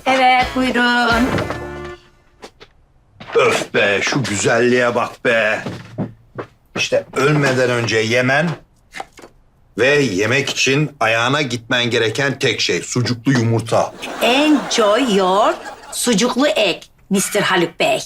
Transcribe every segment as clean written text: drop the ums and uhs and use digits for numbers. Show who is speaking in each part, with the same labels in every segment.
Speaker 1: Evet, buyurun.
Speaker 2: Öf be, şu güzelliğe bak be. İşte ölmeden önce yemen ve yemek için ayağına gitmen gereken tek şey sucuklu yumurta.
Speaker 1: Enjoy your sucuklu ek, Mr. Haluk Bey.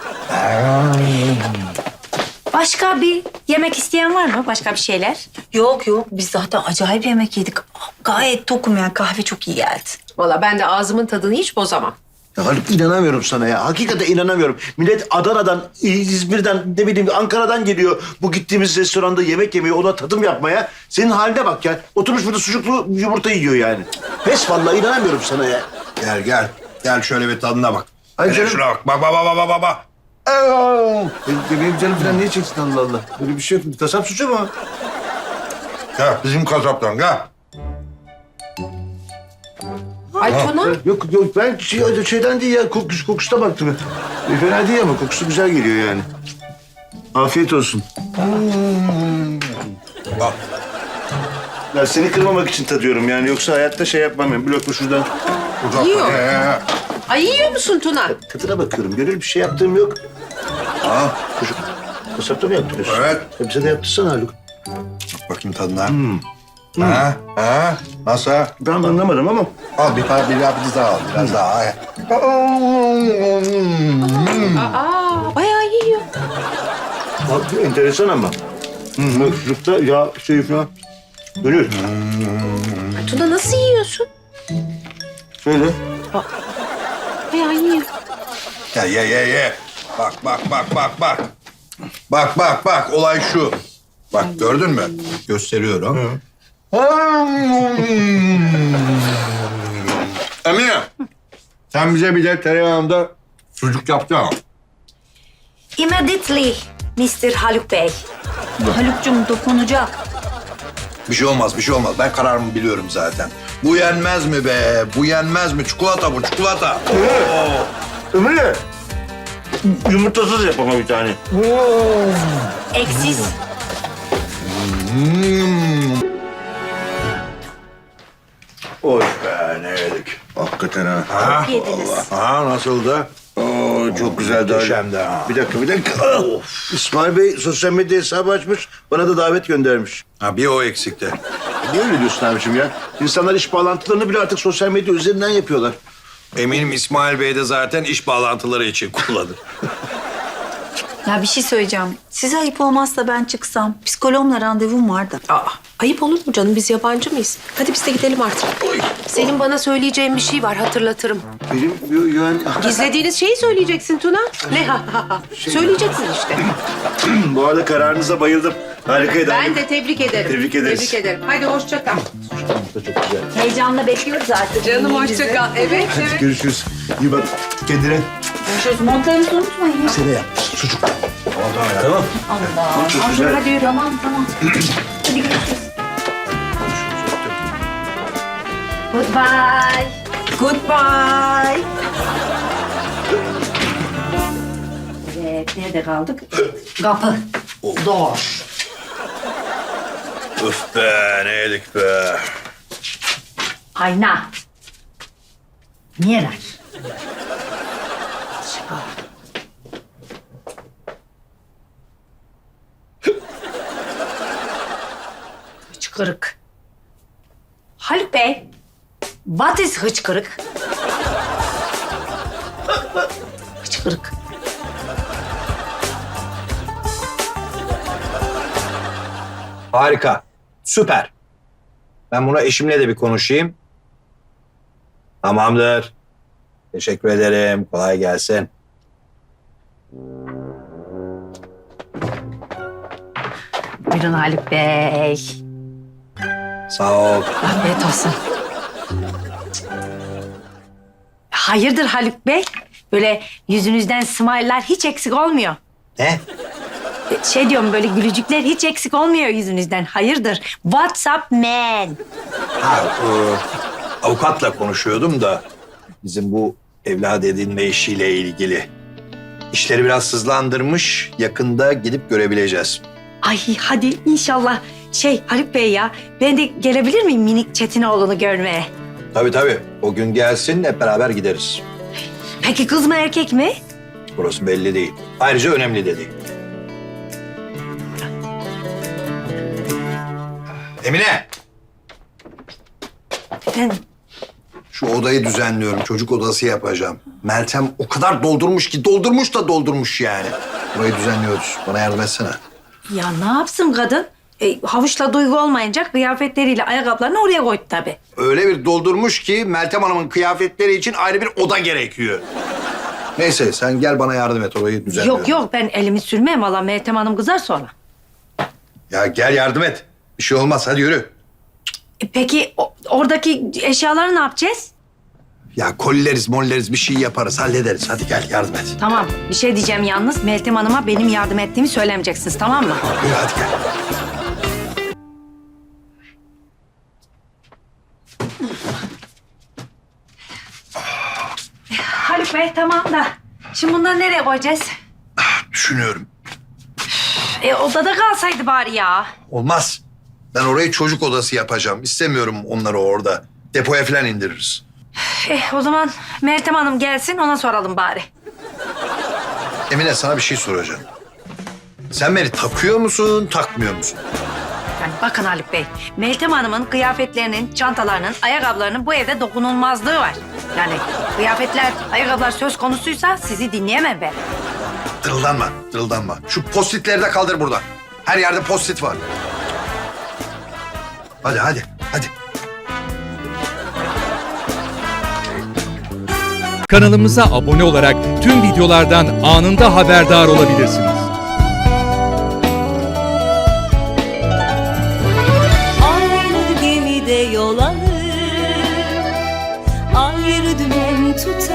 Speaker 1: Başka bir yemek isteyen var mı? Başka bir şeyler?
Speaker 3: Yok yok, biz zaten acayip yemek yedik. Gayet tokum yani, kahve çok iyi geldi.
Speaker 4: Valla ben de ağzımın tadını hiç bozamam.
Speaker 5: Ya Haluk inanamıyorum sana ya. Hakikaten inanamıyorum. Millet Adana'dan, İzmir'den, ne bileyim Ankara'dan geliyor. Bu gittiğimiz restoranda yemek yemeye, ona tadım yapmaya. Senin haline bak ya. Oturmuş burada sucuklu yumurta yiyor yani. Pes vallahi inanamıyorum sana ya.
Speaker 2: Gel gel. Gel şöyle bir tadına bak.
Speaker 5: Ay
Speaker 2: Hele
Speaker 5: canım.
Speaker 2: şuna bak. Bak bak bak bak bak bak.
Speaker 5: Benim canım falan niye çeksin Allah Allah? Böyle bir şey yok. Kasap suçu mu?
Speaker 2: Gel bizim kasaptan gel.
Speaker 4: Ay Tuna.
Speaker 5: Yok yok ben şeyden değil ya. Kokusuna baktım. Fena değil ama kokusu güzel geliyor yani. Afiyet olsun.
Speaker 2: Bak.
Speaker 5: Ya seni kırmamak için tadıyorum yani. Yoksa hayatta şey yapmam yani. Bir lokma şuradan.
Speaker 2: Uzak.
Speaker 4: Yiyor.
Speaker 2: He.
Speaker 4: Ay yiyor musun Tuna?
Speaker 5: Tadına bakıyorum. Gönül bir şey yaptığım yok.
Speaker 2: Ha,
Speaker 5: Çocuk kasapta mı yaptırıyorsun?
Speaker 2: evet.
Speaker 5: Bize de yaptırsana Haluk.
Speaker 2: Bak bakayım tadına. Ha, ha. Nasıl?
Speaker 5: Ben anlamadım ama.
Speaker 2: Al bir tane biraz daha al. Biraz daha.
Speaker 4: Aa bayağı yiyor.
Speaker 5: Bak, enteresan ama. Çocukta ya şey falan. Gönül.
Speaker 4: Ay Tuna nasıl yiyorsun?
Speaker 5: Şöyle.
Speaker 4: Bayağı yiyor.
Speaker 2: Ya ye ye ye. Bak bak bak bak bak. Bak bak bak olay şu. Bak gördün mü? Gösteriyorum. Emine. Sen bize bir de tereyağında sucuk yapsana.
Speaker 1: Immediately, Mr. Haluk Bey.
Speaker 3: Haluk'cum dokunacak.
Speaker 2: Bir şey olmaz, bir şey olmaz. Ben kararımı biliyorum zaten. Bu yenmez mi be? Bu yenmez mi? Çikolata bu, çikolata.
Speaker 5: Ömürle. Yumurtasız yap ama bir tane.
Speaker 1: Eksiz.
Speaker 5: Oy be ne yedik. Hakikaten ha.
Speaker 2: Ha?
Speaker 1: Yediniz.
Speaker 2: Ha nasıldı?
Speaker 5: Oo, çok güzeldi.
Speaker 2: Muhteşemdi ha.
Speaker 5: Bir dakika. İsmail Bey sosyal medya hesabı açmış. Bana da davet göndermiş.
Speaker 2: Ha bir o eksikti.
Speaker 5: Niye öyle diyorsun abiciğim ya? İnsanlar iş bağlantılarını bile artık sosyal medya üzerinden yapıyorlar.
Speaker 2: Eminim İsmail Bey de zaten iş bağlantıları için kullanır.
Speaker 3: Ya bir şey söyleyeceğim. Size ayıp olmazsa ben çıksam. Psikologla randevum var da.
Speaker 4: Aa ayıp olur mu canım? Biz yabancı mıyız? Hadi biz de gidelim artık. Senin bana söyleyeceğin bir şey var, hatırlatırım.
Speaker 5: Benim yani...
Speaker 4: Gizlediğiniz şeyi söyleyeceksin Tuna. Ne ha ha ha. Söyleyeceksin işte.
Speaker 5: Bu arada kararınıza bayıldım. Harikaydı.
Speaker 4: Ben de tebrik ederim.
Speaker 5: Tebrik ederiz.
Speaker 4: Tebrik ederim. Hadi hoşça kal.
Speaker 5: Da çok güzel.
Speaker 1: Heyecanla bekliyoruz artık.
Speaker 4: Canım hoşça kal. Evet, evet.
Speaker 5: Görüşürüz. İyi bak kendine.
Speaker 1: Görüşürüz. Montlarınızı unutmayın.
Speaker 5: Sene yap. Sucuk. Tamam.
Speaker 1: Allah.
Speaker 5: Çok güzel.
Speaker 1: Hadi yürü. Tamam, tamam. Hadi görüşürüz. Goodbye.
Speaker 3: Goodbye.
Speaker 1: Evet, nerede kaldık? Kapı. Door.
Speaker 2: Öf be ne yedik be.
Speaker 1: Ayna. Mirror. Hıçkırık. Haluk Bey, what is hıçkırık? Hıçkırık.
Speaker 2: Harika. Süper. Ben buna eşimle de bir konuşayım. Tamamdır. Teşekkür ederim. Kolay gelsin.
Speaker 1: Buyurun Haluk Bey.
Speaker 2: Sağ ol.
Speaker 1: Afiyet olsun. Hayırdır Haluk Bey? Böyle yüzünüzden smile'lar hiç eksik olmuyor.
Speaker 2: Ne?
Speaker 1: Şey diyorum böyle gülücükler hiç eksik olmuyor yüzünüzden. Hayırdır? What's up man?
Speaker 2: Ha, avukatla konuşuyordum da bizim bu evlat edinme işiyle ilgili. İşleri biraz hızlandırmış. Yakında gidip görebileceğiz.
Speaker 1: Ay hadi inşallah. Haluk Bey ya ben de gelebilir miyim minik Çetinoğlu'nu görmeye?
Speaker 2: Tabii. O gün gelsin hep beraber gideriz.
Speaker 1: Peki kız mı erkek mi?
Speaker 2: Burası belli değil. Ayrıca önemli de değil. Emine!
Speaker 1: Efendim?
Speaker 2: Şu odayı düzenliyorum. Çocuk odası yapacağım. Meltem o kadar doldurmuş ki doldurmuş yani. Burayı düzenliyoruz. Bana yardım etsene.
Speaker 1: Ya ne yapsın kadın? Havuçla Duygu olmayınca kıyafetleriyle ayakkabılarını oraya koydu tabii.
Speaker 2: Öyle bir doldurmuş ki Meltem Hanım'ın kıyafetleri için ayrı bir oda gerekiyor. Neyse sen gel bana yardım et orayı düzenliyorum.
Speaker 1: Yok ben elimi sürmem valla Meltem Hanım kızar sonra.
Speaker 2: Ya gel yardım et. Bir şey olmaz hadi yürü.
Speaker 1: Peki oradaki eşyaları ne yapacağız?
Speaker 2: Ya molleriz bir şey yaparız hallederiz. Hadi gel yardım et.
Speaker 1: Tamam bir şey diyeceğim yalnız Meltem Hanım'a benim yardım ettiğimi söylemeyeceksiniz tamam mı?
Speaker 2: Yürü hadi gel.
Speaker 1: Haluk Bey tamam da şimdi bunları nereye koyacağız?
Speaker 2: Düşünüyorum.
Speaker 1: Odada kalsaydı bari ya.
Speaker 2: Olmaz. Ben orayı çocuk odası yapacağım. İstemiyorum onları orada. Depoya falan indiririz.
Speaker 1: O zaman Meltem Hanım gelsin ona soralım bari.
Speaker 2: Emine sana bir şey soracağım. Sen beni takıyor musun, takmıyor musun?
Speaker 1: Yani bakın Haluk Bey, Meltem Hanım'ın kıyafetlerinin, çantalarının, ayakkabılarının bu evde dokunulmazlığı var. Yani kıyafetler, ayakkabılar söz konusuysa sizi dinleyemem ben.
Speaker 2: Dırıldanma. Şu postitleri de kaldır buradan. Her yerde postit var. Hadi.
Speaker 6: Kanalımıza abone olarak tüm videolardan anında haberdar olabilirsiniz.
Speaker 7: Aynı gemide yol alır, ayrı dümen tutar.